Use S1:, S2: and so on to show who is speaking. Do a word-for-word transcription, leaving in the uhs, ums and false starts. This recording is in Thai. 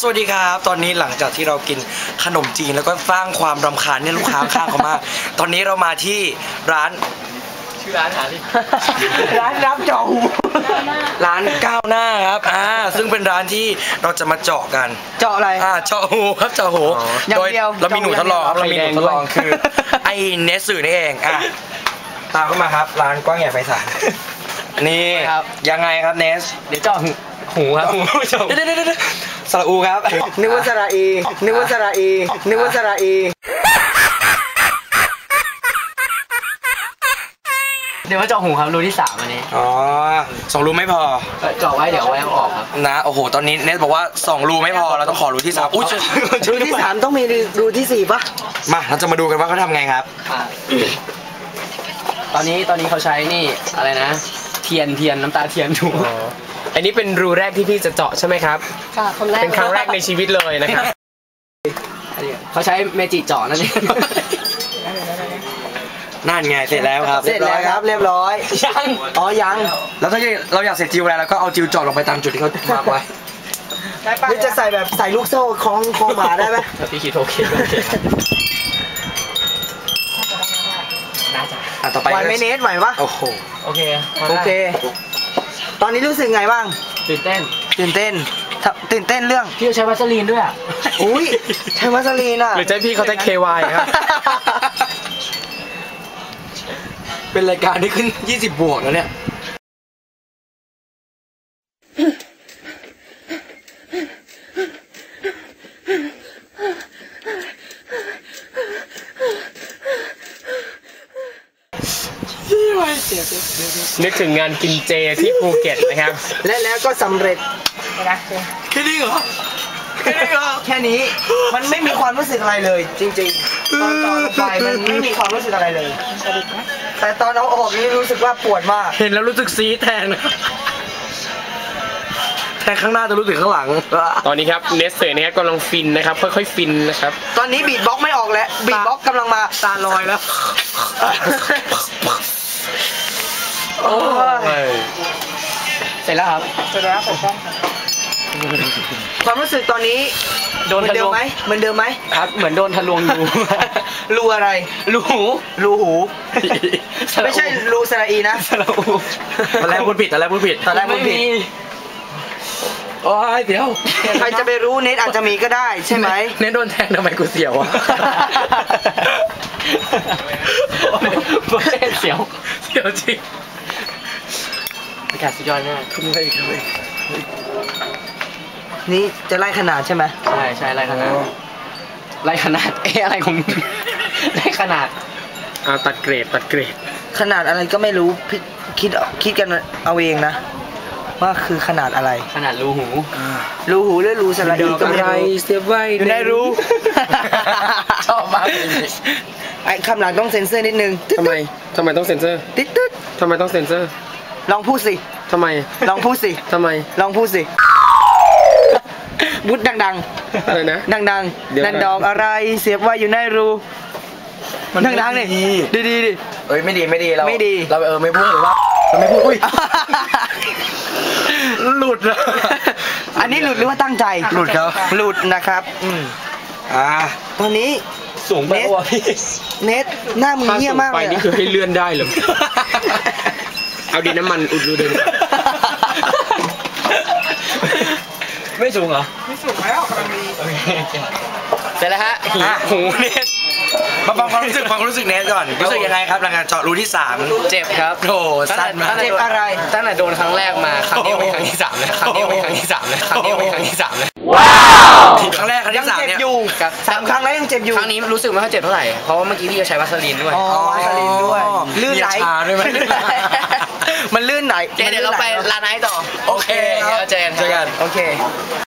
S1: วัสดีครับตอนนี้หลังจากที่เรากินขนมจีนแล้วก็สร้างความรำคาญเนี่ยลูกค้าข้างเขามากตอนนี้เรามาที่ร้าน
S2: ชื่อร้านหาที่
S1: ร้านรับเจาะหูร้านก้าวหน้าครับอ่าซึ่งเป็นร้านที่เราจะมาเจาะกัน
S3: เจาะอะไร
S1: อ่าเจาะหูครับเจาะหูโดยเรามีหนูทดลองเรามีหนูทดลองคือไอ้เนสสื่อนี่เองอ่ะตามเข้ามาครับร้านกว้างใหญ่ไพศาลนี่ยังไงครับเนส
S2: เดี๋ยวเจาะหูครับ
S1: เดี๋ยวเดี๋ยวเดี๋ยวสระอูครับ
S3: นึกว่าสระอีนึกว่าสระอีนึกว่าสระอี
S2: เดี๋ยวว่าเจาะหูครับรูที่สามอันนี้
S1: อ๋อสองรูไม่พอ
S2: เจาะไว้เดี๋ยวเอาไว้เอาออกครับ
S1: นะโอ้โหตอนนี้เนสบอกว่าสองรูไม่พอเราต้องขอรูที่สามอุ้ย
S3: รูที่สามต้องมีรูที่สี่ปะ
S1: มาเราจะมาดูกันว่าเขาทำไงครับ
S2: ตอนนี้ตอนนี้เขาใช้นี่อะไรนะเทียนเทียนน้ำตาเทียนถู
S4: อันนี้เป็นรูแรกที่พี่จะเจาะใช่ไหมครับ
S3: ค่ะคนแรก
S4: เป็นครั้งแรกในชีวิตเลยนะครับ
S2: เขาใช้เมจิเจาะนั่นเอง
S1: นั่นไงเสร็จแล้วครับ
S3: เสร็จแล้วครับเรียบร้อย
S2: ยัง
S3: อ๋อยัง
S1: แล้วถ้าเราอยากเสร็จจิวแล้วเราก็เอาจิวเจาะลงไปตามจุดที่เขามาร์กไว้
S3: หรือจะใส่แบบใส่ลูกโซ่คล้องคล้องหมาได้ไหม
S2: พี่คิดโอเคโอเค
S1: ต่อไป
S3: ไหวไหมเนสไหวปะ
S1: โอ้โห
S2: โอเค
S3: โอเคตอนนี้รู้สึกไงบ้าง
S2: ตื่นเต้น
S3: ตื่นเต้นตื่นเต้นเรื่อง
S2: พี่ใช้วัสลีนด้วยอ่ะ
S3: อุ้ยใช้วัสลีนอ่ะ
S4: หรือใช้พี่เขาใช้ เค วาย ครับ
S1: เป็นรายการที่ขึ้นยี่สิบบวกแล้วเนี่ย
S4: นึกถึงงานกินเจที่ภูเก็ตนะครับ
S3: และแล้วก็สำเร็จ
S1: แค่นี้เหรอแค่นี้เหรอ
S3: แค่นี้มันไม่มีความรู้สึกอะไรเลยจริงๆตอนตอนไปมันไม่มีความรู้สึกอะไรเลยแต่ตอนเอาออกนี่รู้สึกว่าปวดมาก
S1: เห็นแล้วรู้สึกซีแทนแทนข้างหน้าจะรู้สึกข้างหลัง
S4: ตอนนี้ครับเนสเซ่นะครับกำลังฟินนะครับค่อยๆฟินนะครับ
S3: ตอนนี้บีทบ็อกไม่ออกแล้วบีทบ็อกกำลังมา
S1: ตาลอยแล้ว
S3: โอ้
S2: ยเสร็จแล้วครับ
S3: เสร็จแล้วผมต้องความรู้สึกตอนนี้
S2: โดนทะลวง
S3: ไหมเหมือนเดิมไหม
S2: ครับเหมือนโดนทะลวงอยู่
S3: รูอะไร
S2: รูหู
S3: รูหูไม่ใช่รูสระอีนะ
S2: สระอู
S1: ตอนแรกพูดผิดตอนแรกพูดผิด
S3: ตอนแรกพูดผิด
S1: โอ้ยเดี๋ยว
S3: ใครจะไปรู้เน็ตอาจจะมีก็ได้ใช่ไหม
S1: เน็ตโดนแทงทำไมกูเสียวอ่ะ
S2: เสียว
S1: เสียวจริง
S2: อากาศสุดยอดมาก
S1: ขึ้นไปอีกขึ้นไป
S3: นี่จะไล่ขนาดใช่ไหม
S2: ใช่ใช่ไล่ขนาดไล่ขนาดเอ๊ะอะไรของไล่ขนาด
S4: อ่าตัดเกรดตัดเกรด
S3: ขนาดอะไรก็ไม่รู้คิดคิดกันเอาเองนะว่าคือขนาดอะไร
S2: ขนาดรูหู
S3: รูหูหรือรูสระอีก็ไม่รู้
S1: เสียบไว้
S3: อยู่ในรู
S1: ชอบมาก
S3: ไอ้คำหลังต้องเซ็นเซอร์นิดนึง
S4: ทำไมทำไมต้องเซ็นเซอร์
S3: ติ๊ดติ๊ด
S4: ทำไมต้องเซ็นเซอร์
S3: ลองพูดสิ
S4: ทำไม
S3: ลองพูดสิ
S4: ทำไม
S3: ลองพูดสิบุดดัง
S4: ๆอะไรนะ
S3: ดังดังดันดองอะไรเสียบไว้อยู่ในรูดังดังนี่ดีดีดิ
S1: เอ้ยไม่ดีไม่ดีเรา
S3: ไม่ดี
S1: เราเออไม่พูดหรือว่าเราไม่พูดอุ้ยหลุดนะ
S3: อันนี้หลุดหรือว่าตั้งใจ
S1: หลุดครับ
S3: หลุดนะครับอืม
S1: อ่า
S3: ตอนนี้
S4: สูงไปว่ะพี่
S3: เน็ตหน้ามึงเหี้ยมากเลย
S4: นี่คือให้เลื่อนได้เหรอเอาดินน้ำมันอุดรูเดิน
S2: ไม่สูงเหรอ
S3: ไม่สูงแล้วกำลังดี
S2: เสร็จแล้วฮะ
S1: หูเน็ตมาฟังความรู้สึกความรู้สึกเนสก่อนรู้สึกยังไงครับหลังจากเจาะรูที่สาม
S2: เจ็บครับ
S1: โอ้สั้นมาก
S3: เจ็บอะไร
S2: ตั้งแต่โดนครั้งแรกมาครั้งนี้เป็นครั้งที่สามเลยครั้งนี้เป็นครั้งที่สามเลยครั้งนี้เป็นครั้งที่สามเลย
S1: ว้าวครั้งแรกครั้งที่สามเนี่ย
S3: สามครั้งแล้วยังเจ็บอยู่
S2: ครั้งนี้รู้สึกไม่ค่อยเจ็บเท่าไหร่เพราะว่าเมื่อกี้พี่จะใช้วัสลีนด้วย
S3: อ๋อวัสลีนด้วยลื่นไหล
S1: ด้วย
S3: มันลื่นไหล
S2: เดี๋ยวเราไปร้านไหนต่อ
S1: โอเค
S2: เจอกัน
S1: เจอกัน
S3: โอเค